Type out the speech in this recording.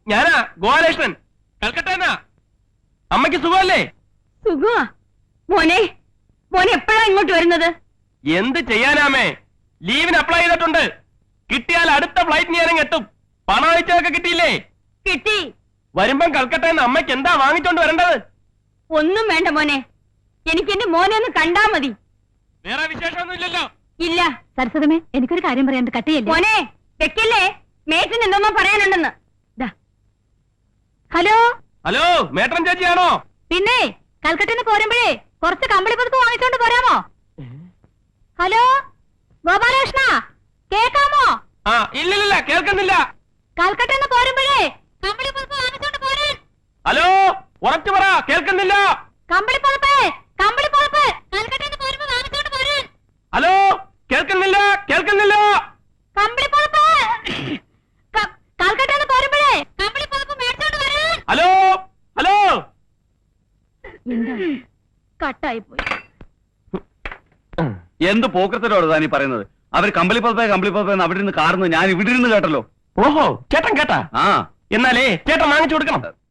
ഞാനാ ഗോപാലകൃഷ്ണൻ, കൽക്കട്ടന്നാ. അമ്മയ്ക്ക് സുഖമല്ലേ? സുഖമാ മോനെ. മോനെ എപ്പോഴാ ഇങ്ങോട്ട് വരുന്നത്? എന്ത് ചെയ്യാനാമേ, ലീവിന് അപ്ലൈ ചെയ്തിട്ടുണ്ട്. കിട്ടിയാൽ അടുത്ത ഫ്ലൈറ്റ് ഞാൻ എത്തും. പണം അയച്ചതൊക്കെ കിട്ടിയില്ലേ? കിട്ടി. വരുമ്പം കൽക്കട്ടന്ന് അമ്മയ്ക്ക് എന്താ വാങ്ങിച്ചോണ്ട് വരേണ്ടത്? ഒന്നും വേണ്ട മോനെ, എനിക്ക് എന്റെ മോനെ ഒന്ന് കണ്ടാ മതി. വേറെ വിശേഷമൊന്നും ഇല്ലല്ലോ? ഇല്ല. സരസ്വതമേ, എനിക്കൊരു കാര്യം പറയാൻ കട്ടിയല്ലേ. മോനെ വെക്കല്ലേ, മേറ്റിന് എന്തോന്നോ പറയാനുണ്ടെന്ന്. Hello hello, മേട്ടൻ ചേച്ചിയാണോ? പിന്നെ കൽക്കട്ടന്ന് പോരുമ്പോഴേ കുറച്ച് കമ്പിളി പതുപ്പ് വാങ്ങിച്ചോണ്ട് പോരാമോ? ഹലോ ഗോപാലകൃഷ്ണ, കേക്കാമോ? ആ, ഇല്ലില്ല, കേൾക്കുന്നില്ല. കൽക്കട്ടന്ന് പോരുമ്പോഴേ കമ്പിളി പതുപ്പ് വാങ്ങിച്ചോണ്ട് പോരാൻ. ഹലോ, ഉറച്ചു പറ, കേൾക്കുന്നില്ല. കമ്പിളി പതുപ്പ്, കമ്പിളി പതുപ്പ് കൽക്കട്ടന്ന് പോരുമ്പോ വാങ്ങിച്ചോണ്ട് പോരാൻ. ഹലോ, കേൾക്കുന്നില്ല, കേൾക്കുന്നില്ല. കമ്പിളി പതുപ്പ് കൽക്കട്ടന്ന് പോരുമ്പോഴേ കമ്പിളി പതുപ്പ് മേടിച്ചോണ്ട് വരാൻ. Hello hello. എന്താ കട്ടായി പോയി. എന്ത് പോക്കത്തിലോട് താനീ പറയുന്നത്? അവർ കമ്പിളിപ്പുറത്തെ അവിടെ നിന്ന് കാർന്ന് ഞാൻ ഇവിടെ ഇരുന്ന് കേട്ടല്ലോ. ഓഹോ, ചേട്ടൻ കേട്ടാ? ആ, എന്നാലേ ചേട്ടൻ വാങ്ങിച്ചു കൊടുക്കണം.